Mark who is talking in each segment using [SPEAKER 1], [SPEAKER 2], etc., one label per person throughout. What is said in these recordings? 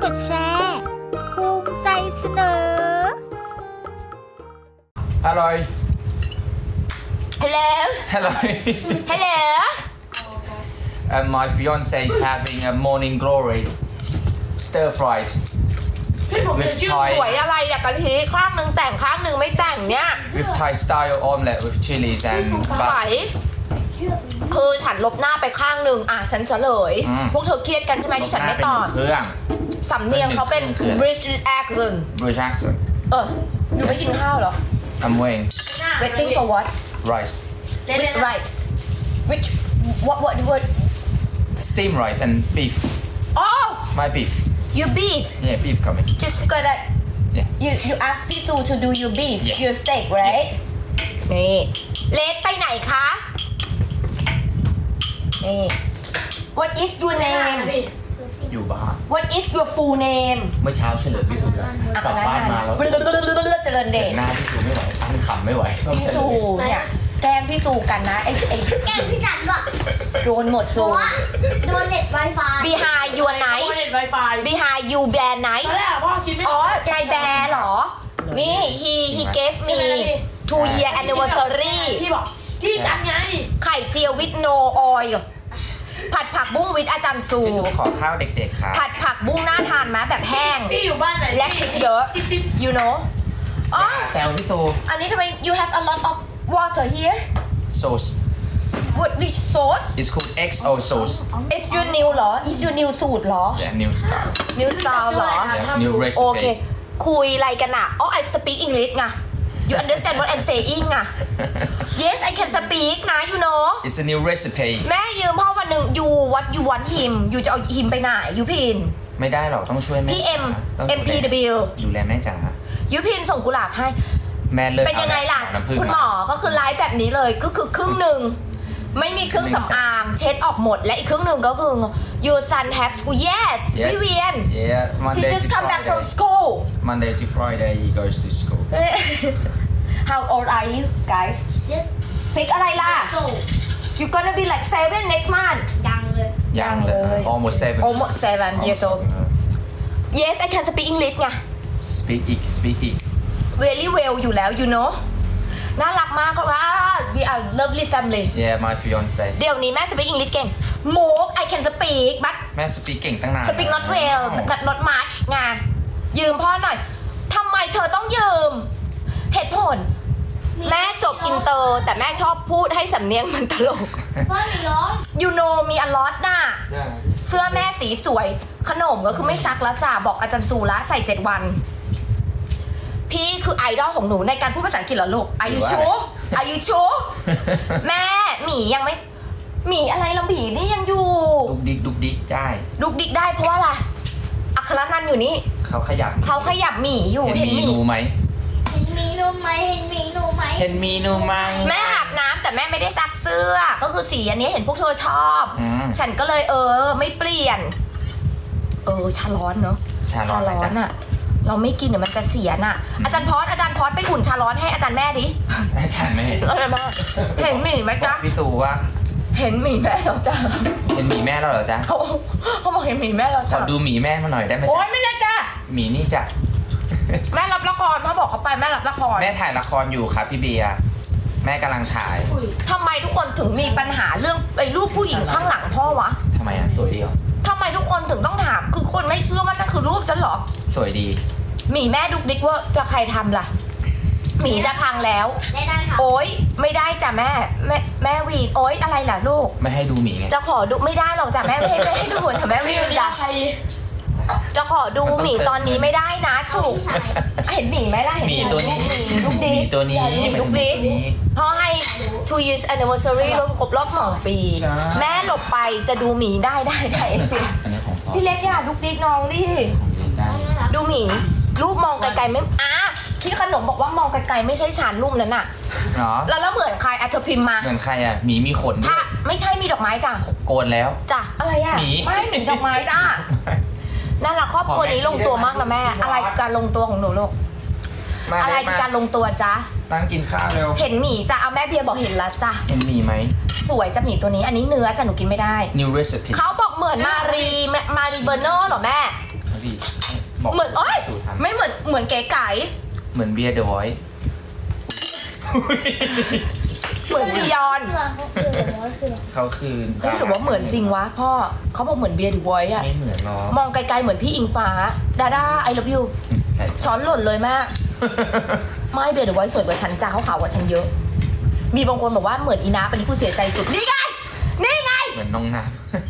[SPEAKER 1] ดแชร์ภูมิใจเสนอ
[SPEAKER 2] Hello.
[SPEAKER 3] Hello.
[SPEAKER 2] Hello.
[SPEAKER 3] Hello.
[SPEAKER 2] My fiance is having a morning glory stir fried
[SPEAKER 4] พี่ผม
[SPEAKER 2] with
[SPEAKER 3] ส
[SPEAKER 2] Thai
[SPEAKER 3] วยอะไรอยากกะทิข้างหนึ่งแต่งข้างหนึ่งไม่แต่งเนี่ย
[SPEAKER 2] with Thai style omelette with chilies and
[SPEAKER 3] ไหว
[SPEAKER 2] butter.
[SPEAKER 3] คือฉันลบหน้าไปข้างหนึ่งอ่ะฉันเฉลย
[SPEAKER 2] อืม
[SPEAKER 3] พวกเธอเครียดกันใช่ไหมที่ฉันไม่ตอบ
[SPEAKER 2] เครื่อง
[SPEAKER 3] สำเนียงเขาเป็น
[SPEAKER 2] เครื่อง
[SPEAKER 3] British accent
[SPEAKER 2] British accent.
[SPEAKER 3] อยู่ไม่กินข้าวเหรอ
[SPEAKER 2] I'm waiting.
[SPEAKER 3] waiting for what
[SPEAKER 2] Rice.
[SPEAKER 3] with rice which what
[SPEAKER 2] Steam rice and beef.
[SPEAKER 3] oh
[SPEAKER 2] My beef.
[SPEAKER 3] your beef
[SPEAKER 2] Yeah, beef coming.
[SPEAKER 3] just because that
[SPEAKER 2] Yeah.
[SPEAKER 3] you ask Pisu to do your beef
[SPEAKER 2] Yeah.
[SPEAKER 3] your steak right นี่เลสไปไหนคะนี่ what is your name
[SPEAKER 2] อยู่บ้าน
[SPEAKER 3] what is your full name
[SPEAKER 2] เมื่อเช้าเฉลิมพี่สุแล้วกลับบ้านมาแล้ว
[SPEAKER 3] เจริญเดช
[SPEAKER 2] หน้าพี่สุไม่ไหวตั้งขำไม่ไหว
[SPEAKER 3] พี่สูเนี่ยแกล้งพี่สูกันนะไอ้
[SPEAKER 1] แกล้งพี่จันบอก
[SPEAKER 3] โดนหมด
[SPEAKER 1] เพ
[SPEAKER 3] สู
[SPEAKER 1] ราะว่าโดนเน็ตไวไฟ
[SPEAKER 3] behind your
[SPEAKER 4] โอ
[SPEAKER 3] nice
[SPEAKER 4] เน็ตไวไฟ
[SPEAKER 3] behind you bear
[SPEAKER 4] ต
[SPEAKER 3] nice
[SPEAKER 4] อนแรกพ่อคิดไม่
[SPEAKER 3] อ๋อยายแบร์เหรอ นี่ he gave me 2 year anniversary
[SPEAKER 4] พี่บอกจี้จันไง
[SPEAKER 3] ไข่เจียว with no oil ผัดผักบุ้งวิทอาจารย์สู
[SPEAKER 2] พี่สุขอข้าวเด็กๆครับ
[SPEAKER 3] ผัดผักบุ้งน่าทานไหมแบบแห้ง
[SPEAKER 4] พี่อยู่บ้านไหน
[SPEAKER 3] และพริกเยอะ you know อ๋อ
[SPEAKER 2] แซวพี่สุ
[SPEAKER 3] อันนี้ทำไม you have a lot of water here
[SPEAKER 2] sauce
[SPEAKER 3] what which sauce
[SPEAKER 2] it's called XO sauce
[SPEAKER 3] is your new เหรอ is your new สูตรเหรอ
[SPEAKER 2] yeah new style
[SPEAKER 3] new style เหรอ
[SPEAKER 2] yeah new
[SPEAKER 3] โอเค
[SPEAKER 2] recipe
[SPEAKER 3] คุยอะไรกันอ่ะ oh I speak English ไง you understand what I'm saying อ่ะ yes I can speak นะ you know
[SPEAKER 2] it's a new recipe
[SPEAKER 3] แม่ยืมพ่อวันหนึ่ง you what you want him you จะเอา him ไปไหนยูพิน
[SPEAKER 2] ไม่ได้หรอกต้องช่วยแม่
[SPEAKER 3] พี่ M
[SPEAKER 2] ต้องดูแล
[SPEAKER 3] MPW
[SPEAKER 2] ดูแลแม่จ๋า
[SPEAKER 3] ยูพินส่งกุหลาบให้
[SPEAKER 2] แม่เลิก
[SPEAKER 3] เป็นยังไงล่ะ
[SPEAKER 2] เอาน้ำผึ้ง
[SPEAKER 3] คุณหมอก็คือไลฟ์แบบนี้เลยก็คือครึ่งหนึ่งไม่มีเครื่องสำอางเช็ดออกหมดและอีกครึ่งหนึ่งก็คือ your son have school yes พี่เวียน
[SPEAKER 2] yeah
[SPEAKER 3] he
[SPEAKER 2] Monday
[SPEAKER 3] just
[SPEAKER 2] to
[SPEAKER 3] come back from
[SPEAKER 2] Friday
[SPEAKER 3] school
[SPEAKER 2] Monday to Friday he goes to school
[SPEAKER 3] how old are you guys 6อะไรล่ะ
[SPEAKER 1] ตู่
[SPEAKER 3] you gonna be like 7 next month
[SPEAKER 1] ดังเลย
[SPEAKER 2] ยังเลย almost 7
[SPEAKER 3] almost 7 years old yes I can speak English ไง
[SPEAKER 2] speak อีก
[SPEAKER 3] very well อยู่แล้ว you know น่ารักมากค่ะ we are lovely family
[SPEAKER 2] yeah my fiance
[SPEAKER 3] เดี๋ยวนี้แม่ speak English เก่ง Mook I can speak but
[SPEAKER 2] แม่ speak เก่งตั้งนาน
[SPEAKER 3] speak not well not much ไงยืมพ่อหน่อยทำไมเธอต้องยืม เหตุผล แม่จบอินเตอร์แต่แม่ชอบพูดให้สำเนียงมันตลก
[SPEAKER 1] เพราะหนูร้อง
[SPEAKER 3] you know มีอลอตน่ะ เสื้อแม่สีสวย ขนมก็คือไม่ซักแล้วจ้าบอกอาจารย์สูละใส่ 7 วัน พี่คือไอดอลของหนูในการพูดภาษาอังกฤษเหรอลูก Are you sure Are you sure แม่หมียังไม่หมีอะไรละหมีนี่ยังอยู่
[SPEAKER 2] ดุกดิกได้
[SPEAKER 3] ดุกดิกได้เพราะว่าอะไรอัครนันท์อยู่นี่
[SPEAKER 2] เขาขยับ
[SPEAKER 3] เขาขยับหมีอยู่
[SPEAKER 2] เห็นมีนูไหม
[SPEAKER 1] เห็นมีหนูไหมเห็นมีหนูไหม
[SPEAKER 2] เห็นมีนูไหม
[SPEAKER 3] แม่อาบน้ำแต่แม่ไม่ได้ซักเสื้อ ก็คือสีอันนี้เห็นพวกเธอชอบ
[SPEAKER 2] อืม
[SPEAKER 3] ฉันก็เลยไม่เปลี่ยน ชาร้อนเนอะ
[SPEAKER 2] ชาร้อน
[SPEAKER 3] อะเราไม่กินเดี๋ยวมันจะเสียน่ะ อาจารย์พอดไปอุ่นชาร้อนให้อาจารย์แม่ดิ
[SPEAKER 2] อาจารย์ไม่เห็น
[SPEAKER 3] อะไรบ้างเห็นหมีไหมจ๊ะ
[SPEAKER 2] พี่สูว่า
[SPEAKER 3] เห็นหมีแม่แล้วจ้ะ
[SPEAKER 2] เห็นหมีแม่แล้วเหรอจ๊ะ
[SPEAKER 3] เขาบอกเห็นหมีแม่แล้ว
[SPEAKER 2] ขอ
[SPEAKER 3] จ้ะ
[SPEAKER 2] ดูหมีแม่มาหน่อยได้ไหม
[SPEAKER 3] โอ๊
[SPEAKER 2] จ๊ะ
[SPEAKER 3] ยไม่ได้จ้ะ
[SPEAKER 2] หมีนี่จ้ะ
[SPEAKER 3] แม่รับละครพ่อบอกเขาไปแม่รับละคร
[SPEAKER 2] แม่ถ่ายละครอยู่ครับพี่เบียร์แม่กำลังถ่าย
[SPEAKER 3] ทำไมทุกคนถึงมีปัญหาเรื่องไอ้รูปผู้หญิงข้างหลังพ่อวะ
[SPEAKER 2] ทำไมอ่ะสวยดีเหรอ
[SPEAKER 3] ทำไมทุกคนถึงต้องถามคือคนไม่เชื่อว่านั่นคือรูปฉันเหรอ
[SPEAKER 2] สวยดี
[SPEAKER 3] หมีแม่ดุกดิกว่าจะใครทำล่ะหมีจะพังแล้ว
[SPEAKER 1] ได้นั่งค่ะ
[SPEAKER 3] โอ๊ยไม่ได้จ้ะแม่วีดโอ๊ยอะไรล่ะลูก
[SPEAKER 2] ไม่ให้ดูหมีไง
[SPEAKER 3] จะขอดูไม่ได้หรอกจ้ะแม่ไม่ให้ดูแต่แม่วีดจ้ะจะขอดูหมีตอนนี้ไม่ได้นะถูกเห็นหมีไหมล่ะเห็น
[SPEAKER 2] หมีตัวนี้
[SPEAKER 3] ลูก
[SPEAKER 2] ห
[SPEAKER 3] ดิ
[SPEAKER 2] มีตัวนี้
[SPEAKER 3] หมีลูกดิพ่อให้ 2 years anniversary แล้วครบรอบ 2 ปี
[SPEAKER 2] ใช่
[SPEAKER 3] แม่หลบไปจะดูหมีได้จริง
[SPEAKER 2] อันนี้ของพ่อ
[SPEAKER 3] พี่เล็กอย่าลูกดิกน้องดิ
[SPEAKER 2] ของเล่นได้
[SPEAKER 3] ดูหมีรูปมองไกลๆไม่พี่ขนมบอกว่ามองไกลๆไม่ใช่ฉันรูปนั้นน่ะ
[SPEAKER 2] เนาะ
[SPEAKER 3] แล้วเหมือนใครเธอพิมพ์มา
[SPEAKER 2] เหมือนใครอ่ะหมีมีขนด้
[SPEAKER 3] ถ้า
[SPEAKER 2] วย
[SPEAKER 3] ไม่ใช่มีดอกไม้จ้ะ
[SPEAKER 2] โกนแล้ว
[SPEAKER 3] จ้ะอะไรอ่ะ
[SPEAKER 2] หมี
[SPEAKER 3] ไม่หมีดอกไม้จ้ะน่ารักครอบครัวนี้ลงตัวมากนะแม่อะไรคือการลงตัวของหนูลูก
[SPEAKER 2] มา
[SPEAKER 3] อะไร
[SPEAKER 2] เลย
[SPEAKER 3] คือ
[SPEAKER 2] มา
[SPEAKER 3] การลงตัวจ๊ะ
[SPEAKER 2] ตั้งกินข้าวเร็ว
[SPEAKER 3] เห็นหมีจ้ะเอาแม่เบียร์บอกเห็นแล้วจ้ะ
[SPEAKER 2] เห็นหมีไหม
[SPEAKER 3] สวยจ้ะหมีตัวนี้อันนี้เนื้อจ้ะหนูกินไม่ได้
[SPEAKER 2] new recipe
[SPEAKER 3] เขาบอกเหมือนมารีเบอร์เนอร์เหรอแม่
[SPEAKER 2] ครับพี่บอก
[SPEAKER 3] เหมือนโอ๊ย
[SPEAKER 2] สูตรทำ
[SPEAKER 3] ไม่เหมือนเก๋ไก่
[SPEAKER 2] เหมือนเบียร์เดอะไวท์
[SPEAKER 3] เหมือนจียอน
[SPEAKER 2] เขาคือ
[SPEAKER 3] เฮ้ยหรือว่าเหมือนจริงวะพ่อเขาบอกเหมือนเบียร์ดูไว้อะ
[SPEAKER 2] ไม่เหมือนหรอก
[SPEAKER 3] มองไกลๆเหมือนพี่อิงฟ้าดาด้าไอ love you
[SPEAKER 2] ใช่
[SPEAKER 3] ช้อนหล่นเลยแม่ไม่เบียร์ดูไว้สวยกว่าฉันจ้าเขาขาวกว่าฉันเยอะ มีบางคนบอกว่าเหมือนอีนาปอันนี้กูเสียใจสุดนี่ไงนี่ไง
[SPEAKER 2] เหมือนน้องน้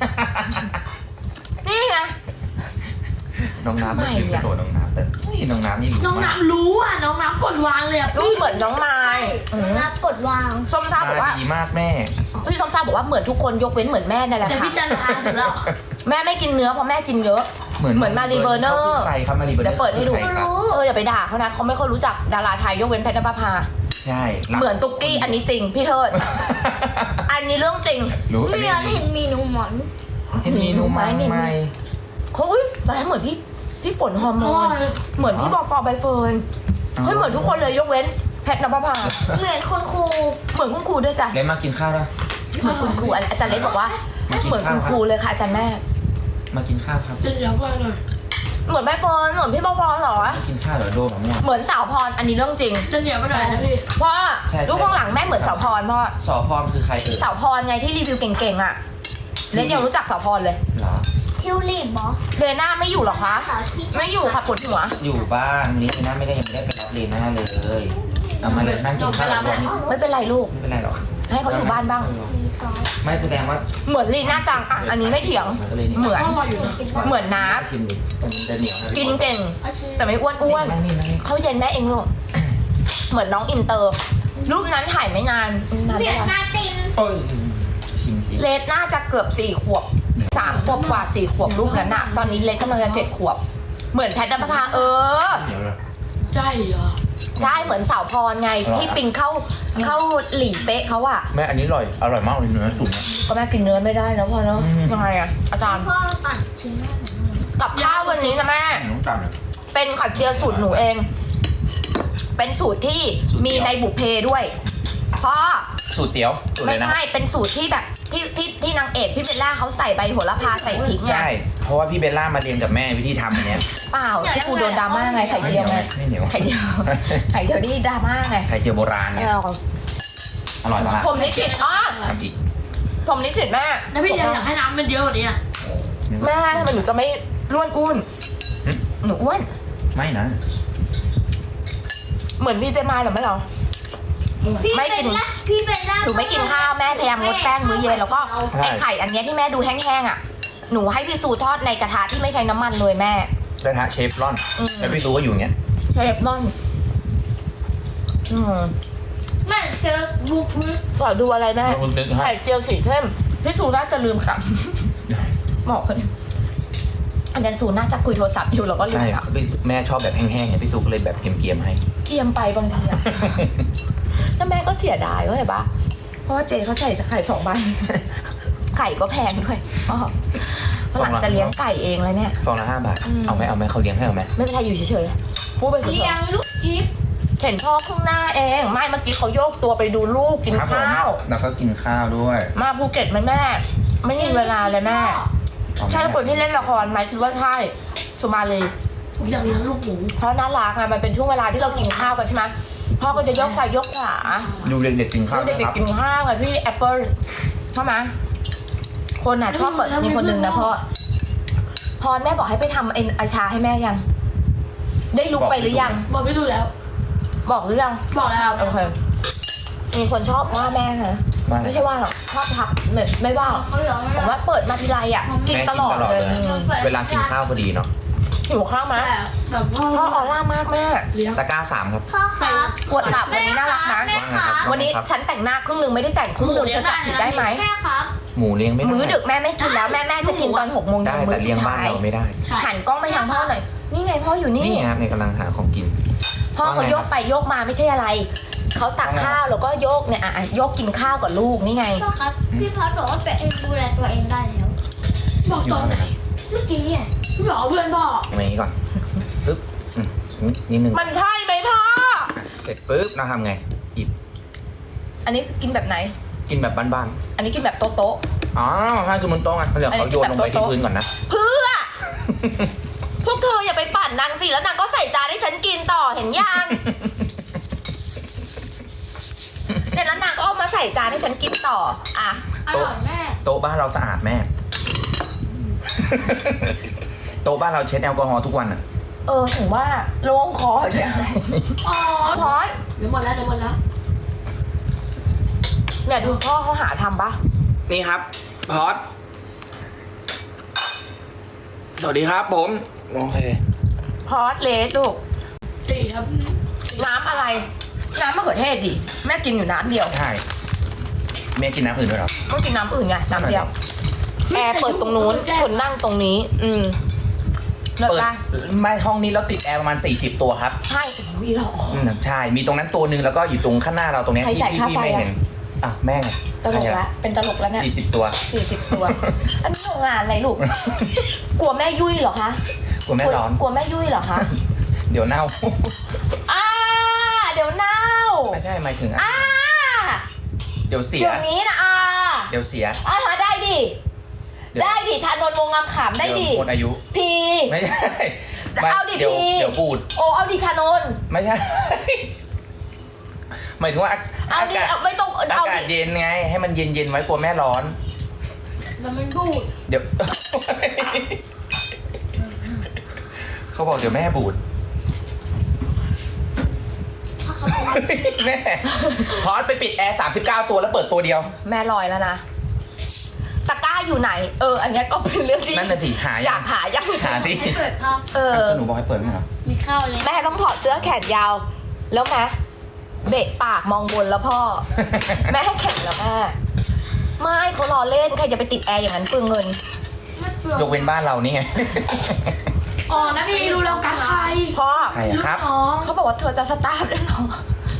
[SPEAKER 3] นี่ไง
[SPEAKER 2] ำน้องน้ำ
[SPEAKER 3] ไม่
[SPEAKER 2] ไม่คิด
[SPEAKER 3] อะ
[SPEAKER 2] กระโดดน้องน้ำแต่นี่น้องน้ำนี่รู้
[SPEAKER 4] น้อง
[SPEAKER 2] มาก
[SPEAKER 4] น้ำรู้อ่ะน้องน้ำกดวางเลยอ่ะ
[SPEAKER 3] รูปเหมือนน้องไม้
[SPEAKER 1] รับกดวาง
[SPEAKER 3] ส้มซ่าบอกว่า
[SPEAKER 2] ดีมากแม่
[SPEAKER 3] พี่ส้มซ่าบอกว่าเหมือนทุกคนยกเว้นเหมือนแม่นั่นแหละ
[SPEAKER 4] แต่
[SPEAKER 3] ค่ะ
[SPEAKER 4] พี่จันทราถึงแล้ว
[SPEAKER 3] แม่ไม่กินเนื้อเพราะแม่กินเยอะ เหมือนมารีเบอร์เนอร์
[SPEAKER 2] ขาคือใครครับมารีเบอร์เนอร์
[SPEAKER 3] เดี๋ยวเปิดให้ดู
[SPEAKER 2] คือใครครับ
[SPEAKER 3] อย่าไปด่าเขานะเขาไม่ค่อยรู้จักดาราไทยยกเว้นแพทย์นภพา
[SPEAKER 2] ใช่
[SPEAKER 3] เหมือนตุ๊กกี้อันนี้จริงพี่เทิด อันนี้เรื่องจริง
[SPEAKER 2] รู้
[SPEAKER 1] เรียนเห็นมีหนูหมอน
[SPEAKER 2] เห็นมีนูไหม
[SPEAKER 3] เนี่ย
[SPEAKER 2] ไม่
[SPEAKER 3] เขาอุ้ยแม่เหมือนพี่ฝนฮอร์โมนเหมือนพี่บอฟอร์ใบเฟิร์นเฮ้ยเหมือนทุกคนเลยยกเว้นแพทย์นภพา
[SPEAKER 1] เหมือนคนครู
[SPEAKER 3] เหมือนคุณครูด้วยจ้ะ
[SPEAKER 2] เล่นมากินข้าวแล้ว
[SPEAKER 3] เหมือนคุณครูอาจารย์เล็กบอกว่า เหมือนคุณครูเลยค่ะอาจารย์แม่
[SPEAKER 2] มากินข้าวครับ
[SPEAKER 4] จะเดี๋ยวก่อนหน่อย
[SPEAKER 3] เหมือนใบเฟิร์นเหมือนพี่บอฟอร์เหรอ
[SPEAKER 2] มากินข้าวเหรอโดมะม่วง
[SPEAKER 3] เหมือนสาวพรอันนี้เรื่องจริง
[SPEAKER 4] จะเดี๋ยวไปหน่อยนะพี่
[SPEAKER 3] พ่อ
[SPEAKER 2] ใช่
[SPEAKER 3] รูปข้างหลังแม่เหมือนสาวพรพ่อ
[SPEAKER 2] สอพรคือใครเอ่ย
[SPEAKER 3] สาวพรไงที่รีวิวเก่งๆอ่ะเลนยังรู้จักสาวพรเลย
[SPEAKER 2] เหรอ
[SPEAKER 1] ทิวลิปเหรอ
[SPEAKER 3] เลน่าไม่อยู่เหรอคะ
[SPEAKER 1] สาวที่
[SPEAKER 3] ไม่อยู่ค่ะปวดหัว
[SPEAKER 2] อยู่บ้านวันนี้ลีน่าไม่ได้ยังไม่ได้ไปรับลีน่าเลยเอามาเลยนั่งกินข้าวกับวันนี้
[SPEAKER 3] ไม่เป็นไรลูก
[SPEAKER 2] ไม่เป็นไรหรอก
[SPEAKER 3] ให้เขาอยู่บ้านบ้าง
[SPEAKER 1] มีซอส
[SPEAKER 2] ไม่แสดงว่า
[SPEAKER 3] เหมือนลีน่าจังอ่ะอันนี้ไม่เถียง
[SPEAKER 2] ก็เลย
[SPEAKER 3] เหมือน
[SPEAKER 4] พ่อรออยู่นะ
[SPEAKER 3] เหมือนน้
[SPEAKER 2] ชิมดิมันจะเหนียวนะ
[SPEAKER 3] ำกินเก่ง
[SPEAKER 1] เอาชิ้น
[SPEAKER 3] แต่ไม่อ้วน
[SPEAKER 2] นั่งนี่นั่งนี่
[SPEAKER 3] เขาเย็นแม่เองลูกเหมือนน้องอินเตอร์ รูปนั้นถ่ายไม่นานนาน
[SPEAKER 1] เหมื
[SPEAKER 3] ได้
[SPEAKER 1] อน
[SPEAKER 3] ไหม
[SPEAKER 1] นาติน
[SPEAKER 2] โอ้ยชิมสิ
[SPEAKER 3] เลดน่าจะเกือบ4 ขวบ 3 ขวบกว่า 4 ขวบรูปนั้นอะตอนนี้เลดกำลังจะ7 ขวบ เหมือนแพทย์นภพา
[SPEAKER 2] เหนียวเลย
[SPEAKER 4] ใช่เหรอ
[SPEAKER 3] ใช่เหมือนสาวพรไงที่ปิงเข้าหลีเป๊ะเขาอะ
[SPEAKER 2] แม่อันนี้อร่อยมากเลยเนื้อตุ๋น
[SPEAKER 3] ก็แม่กินเนื้อไม่ได้นะพ่อเนาะ
[SPEAKER 2] อืม
[SPEAKER 3] ยังไงอะอาจารย์
[SPEAKER 1] พ่อตัดชิ้นแรกของมัน
[SPEAKER 3] กับข้าววันนี้นะแม่
[SPEAKER 2] น้องจำเลย
[SPEAKER 3] เป็นไข่เจียวสูตรหนูเอง เป็นสูตรที่
[SPEAKER 2] สูตรเดียว
[SPEAKER 3] มีในบุพเพด้วยพ่อ
[SPEAKER 2] สูตรเตี๋ยวสูตรเล
[SPEAKER 3] ไม่
[SPEAKER 2] ยนะ
[SPEAKER 3] ใช่เป็นสูตรที่แบบที่นางเอกพี่เบลล่าเขาใส่ใบโหระพาใส่พริกไง
[SPEAKER 2] ใช่เพราะว่าพี่เบลล่ามาเรียนกับแม่วิธีทำอันเนี้ย
[SPEAKER 3] เปล่าที่กูโดนดราม่าไงไข่เจียวไง
[SPEAKER 2] ไม่เหนียว
[SPEAKER 3] ไข่เจียวไข่เจียวนี่ดราม่าไง
[SPEAKER 2] ไข่เจียวโบราณเนี่ยอร่อยมาก
[SPEAKER 3] ผมนิสิตอ๋อ
[SPEAKER 2] ทำอีก
[SPEAKER 3] ผมนิสิตแม่
[SPEAKER 4] แล้วพี่ยังอยากให้น้ำมันเยอะกว่านี้อ่ะ
[SPEAKER 3] แม่ทำไมหนูจะไม่ร่วนอ้วน
[SPEAKER 2] หึ
[SPEAKER 3] หนูอ้วน
[SPEAKER 2] ไม่นะ
[SPEAKER 3] เหมือนพี่เจมายเหรอไม่เหรอ
[SPEAKER 1] พี่
[SPEAKER 3] ไม่
[SPEAKER 1] เป็
[SPEAKER 3] กิ
[SPEAKER 1] น
[SPEAKER 3] น
[SPEAKER 1] ละพี่เป็นละ
[SPEAKER 3] หนูไม่กินข้าวแม่พยายามงดแป้งมื้อเย็นแล้วก็
[SPEAKER 2] ใช่
[SPEAKER 3] ไอไข่อันเนี้ยที่แม่ดูแห้งๆอ่ะหนูให้พี่ซูทอดในกระทะที่ไม่ใช้น้ำมันเลยแม่
[SPEAKER 2] กระทะเชฟรอน
[SPEAKER 3] อืม
[SPEAKER 2] แล้วพี่ซูก็อยู่อย่างเงี้ย
[SPEAKER 3] เชฟนอน
[SPEAKER 1] แม่เจอบุกลึก
[SPEAKER 3] ขอดูอะไรแม่
[SPEAKER 2] แล้วคุณตึ๊กให้
[SPEAKER 3] ไข่เจียวสีเข้มพี่ซูน่าจะลืมค่ะบอกคนอาจารย์ซูน่าจะคุยโทรศัพท์อยู่แล้วก็ลืม
[SPEAKER 2] ใช่
[SPEAKER 3] ค่ะ
[SPEAKER 2] พี่แม่ชอบแบบแห้งๆไงพี่ซูก็เลยแบบเกรียมๆให้
[SPEAKER 3] เกียมไปบางทีอะแล้วแม่ก็เสียดายเข้าใจปะเพราะว่าเจเขาใส่ไข่2 ใบ ไข่ก็แพงด้วยอ๋อเพราะหลังจะเลี้ยงไก่เองแล้วเนี่ย
[SPEAKER 2] ฟองละ5 บาท
[SPEAKER 3] อืม
[SPEAKER 2] เอาไหมเขาเลี้ยงให้เอาไหม
[SPEAKER 3] ไม่เป็นไรอยู่เฉยๆพูดไปเถ
[SPEAKER 1] เลี้ย
[SPEAKER 3] อะ
[SPEAKER 1] งลูกจิ๊บ
[SPEAKER 3] เห็นพ่อข้างหน้าเอง ไม่เมื่อกี้เขาโยกตัวไปดูลูกกิน
[SPEAKER 2] ครับผม
[SPEAKER 3] ข้าว
[SPEAKER 2] แล้วก็กินข้าวด้วย
[SPEAKER 3] มาภูเก็ตไหมแม่ ไม่มีเวลาเลยแม่
[SPEAKER 2] เอาไหม
[SPEAKER 3] ใช่คนที่เล่นละครไหมคิดว่าใช่สุมาลี
[SPEAKER 4] ผมอยากเลี้ยงลูกหมู
[SPEAKER 3] เพราะน่ารักไงมันเป็นช่วงเวลาที่เรากินข้าวกันใช่ไหมพ่อก็จะยกซ้ายยกขวา
[SPEAKER 2] ดูเด็กๆกินข้าว
[SPEAKER 3] เด็
[SPEAKER 2] นะค
[SPEAKER 3] ก
[SPEAKER 2] รับ
[SPEAKER 3] ๆกินข้าวไงพี่แอปเปิลใช่ไหมคนอ่ะชอบเปิดมีคนหนึ่งนะพ่อพรแม่บอกให้ไปทำเอ็นอาชาให้แม่ยัง ได้ลุกไปหรือยัง
[SPEAKER 4] บอกไม่รู้แล้ว
[SPEAKER 3] บอกหรือยัง
[SPEAKER 4] บอกแล้ว
[SPEAKER 3] โอเคมีคนชอบว่าแม่นะ
[SPEAKER 2] ว่า
[SPEAKER 3] ไม่ใช่ว่าหรอกชอบทักไม่ว่าหรอก
[SPEAKER 1] เขาเหลือง
[SPEAKER 3] ผมว่าเปิดมาทีไรอ่ะกิน
[SPEAKER 2] แม่
[SPEAKER 3] ตลอดเลย
[SPEAKER 2] เวลากินข้าวพอดีเนาะ
[SPEAKER 3] หิวข้าวไหม
[SPEAKER 4] แต่พ่อ
[SPEAKER 3] พ่อออร่ามากแม่
[SPEAKER 4] เลี้ยง
[SPEAKER 2] ตะกร้า3ครับ
[SPEAKER 1] พ่อครับ
[SPEAKER 3] ปวดหลับวันนี้น่ารักนะ
[SPEAKER 1] แม่ครับ
[SPEAKER 3] วันนี้ฉันแต่งหน้าครึ่งหนึ่งไม่ได้แต่งครึ่งหนึ่งจะจับผิดได้ไหม
[SPEAKER 1] แม่ครับ
[SPEAKER 2] หมูเลี้ยงไม่ได้
[SPEAKER 3] มื้อดึกแม่ไม่กินแล้วแม่จะกินตอน6 โมง
[SPEAKER 2] ได้
[SPEAKER 3] เย็นมื้
[SPEAKER 2] แต่
[SPEAKER 3] อสุ
[SPEAKER 2] เลี้ยง
[SPEAKER 3] ด
[SPEAKER 2] บ้าน
[SPEAKER 3] ท้าย
[SPEAKER 2] เราไม่ได้
[SPEAKER 3] หันกล้องไปทางพ่อหน่อยนี่ไงพ่ออยู่นี่
[SPEAKER 2] นี่ครับในกำลังหาของกิน
[SPEAKER 3] พ่อเขาโยกไปโยกมาไม่ใช่อะไรเขาตักข้าวแล้วก็โยกเนี่ยโยกกินข้าวกับลูกนี่ไง
[SPEAKER 1] พ่อครับพี่พัดบอกว่าตัวเองดูแลตัวเองได้แล้ว
[SPEAKER 4] บอกตอนไหน
[SPEAKER 1] เมื่อกี้เนี่ย
[SPEAKER 4] พี่บอกว่าเพื่อนบอก
[SPEAKER 2] อย่างนี้ก่อนปึ๊บนิดนึง
[SPEAKER 3] มันใช่ไหมพ่อ
[SPEAKER 2] เสร็จปึ๊บเราทำไงหยิบ
[SPEAKER 3] อันนี้กินแบบไหน
[SPEAKER 2] กินแบบบ้าน
[SPEAKER 3] อันนี้กินแบบโต๊ะ
[SPEAKER 2] ๆอ๋อใช่คือมันโต๊ะไงเดี๋ยวเขาโยนลงไปที่พื้นก่อนนะ
[SPEAKER 3] ๆเพื่อ พวกเธออย่าไปปั่นนางสิแล้วนางก็ใส่จานให้ฉันกินต่อเห็นยังเนี่ยแล้วนางก็เอามาใส่จานให้ฉันกินต่ออ่ะ
[SPEAKER 1] อร่อยแม่
[SPEAKER 2] โต๊ะบ้านเราสะอาดแม่ โต๊ะบ้านเราเช็ดแอลกอฮอล์ทุกวันอะ
[SPEAKER 3] ถึงว่าโล่งคอเนี่ย
[SPEAKER 4] อ๋อ
[SPEAKER 3] พอย
[SPEAKER 4] เดี๋ยวหมดแล้ว
[SPEAKER 3] เนี่ยดูพ่อเขาหาทำปะ
[SPEAKER 2] นี่ครับพอดสวัสดีครับผมโอเค
[SPEAKER 3] พอสเลสลูก
[SPEAKER 4] สี่ครับ
[SPEAKER 3] น้ำอะไร น้ำมะเขือเทศดิแม่กินอยู่น้ำเดียว
[SPEAKER 2] ใช่แม่กินน้ำอื่นด้วยเหรอ
[SPEAKER 3] ก็กินน้ำอื่นไงน้ำเดียวแอร์เปิดตรงนู้นคนนั่งตรงนี้ เลิศ
[SPEAKER 2] เปิด
[SPEAKER 3] ปะ
[SPEAKER 2] ไม่ห้องนี้เราติดแอร์ประมาณ40ตัวครับ
[SPEAKER 3] ใช่โอ้ยหรอ
[SPEAKER 2] ใช่ มีตรงนั้นตัวหนึ่งแล้วก็อยู่ตรงข้างหน้าเราตรงเนี้ย
[SPEAKER 3] ใคร
[SPEAKER 2] ที่
[SPEAKER 3] จ่ายค่า
[SPEAKER 2] พี่
[SPEAKER 3] ไฟ
[SPEAKER 2] ไม่
[SPEAKER 3] อะ
[SPEAKER 2] เห็นอ่ะแม่ไง
[SPEAKER 3] ตลกละเป็นตลกแล้วเนี่ย
[SPEAKER 2] 40 ตัว
[SPEAKER 3] 40 ตัว อันนี้โรงงานอะไรลูก กลัวแม่ยุ่ยเหรอคะ
[SPEAKER 2] กลัวแม่ร้อน
[SPEAKER 3] กลัวแม่ยุ่ยเหรอคะ
[SPEAKER 2] เดี๋ยวเน่า
[SPEAKER 3] เดี๋ยวเน่า
[SPEAKER 2] ไม่ใช่หมายถึงเดี๋ยวเสีย
[SPEAKER 3] เดี๋ยวนี้นะ
[SPEAKER 2] เดี๋ยวเสีย
[SPEAKER 3] ได้ดิ
[SPEAKER 2] เดี๋ยว
[SPEAKER 3] ได้ดิชานนท์วงงามขำได้ดิ
[SPEAKER 2] เยวหมดอายุ
[SPEAKER 3] พี
[SPEAKER 2] ไม่ใช่
[SPEAKER 3] เอาดิ
[SPEAKER 2] เดี๋ยว
[SPEAKER 3] พี่
[SPEAKER 2] เดี๋ยวบูด
[SPEAKER 3] เอาดิชานนท์
[SPEAKER 2] ไม่ใช่ หมายถึงว่า
[SPEAKER 3] เอาดิเอาไม่ต้อง
[SPEAKER 2] อา
[SPEAKER 3] เอา
[SPEAKER 2] กาศ
[SPEAKER 3] ดิ
[SPEAKER 2] เย็นไง ให้มันเย็นไว้กลัวแม่ร้อน
[SPEAKER 1] แต่มันบูด
[SPEAKER 2] เดี๋ยว เขาบอกเดี๋ยวแม่บูด
[SPEAKER 1] ถ้าเขาบอกว่า
[SPEAKER 2] แม่ พอดไปปิดแอร์39 ตัวแล้วเปิดตัวเดียว
[SPEAKER 3] แม่ลอยแล้วนะตะกร้าอยู่ไหน อันเนี้ยก็เป็นเรื่องที่
[SPEAKER 2] นั่นน่ะสิหา
[SPEAKER 3] อยากหายัง
[SPEAKER 2] หาสิ
[SPEAKER 1] ให้เปิดภาพ
[SPEAKER 2] หนูบอกให้เปิดไหมเหรอ
[SPEAKER 1] มีข้าวเลย
[SPEAKER 3] แม่ต้องถอดเสื้อแขนยาว แล้วแม่เบะปากมองบนแล้วพ่อ แม่ให้แข็งแล้วแม่ไม่เขารอเล่นใครจะไปติดแอร์อย่างนั้นเปลืองเงิน
[SPEAKER 1] ไม่เปลือก
[SPEAKER 2] ยกเว้นบ้านเรานี่ไง
[SPEAKER 4] อ๋อนะพี่รู้แล้วกันใคร
[SPEAKER 3] พ่อ
[SPEAKER 2] ใครอะครับ
[SPEAKER 4] ลูกน้อง
[SPEAKER 3] เขาบอกว่าเธอจะสตาร์ทแล้วเหรอ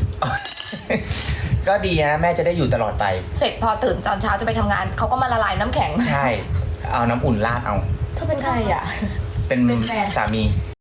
[SPEAKER 2] ก็ดีนะแม่จะได้อยู่ตลอดไป
[SPEAKER 3] เสร็จพอตื่นตอนเช้าจะไปทำงานเขาก็มาละลายน้ำแข็ง
[SPEAKER 2] ใช่ เอาน้ำอุ่นราดเอา
[SPEAKER 3] เธอเป็นใครอ่ะ
[SPEAKER 2] เป็น
[SPEAKER 4] เป็นแฟน
[SPEAKER 2] สามี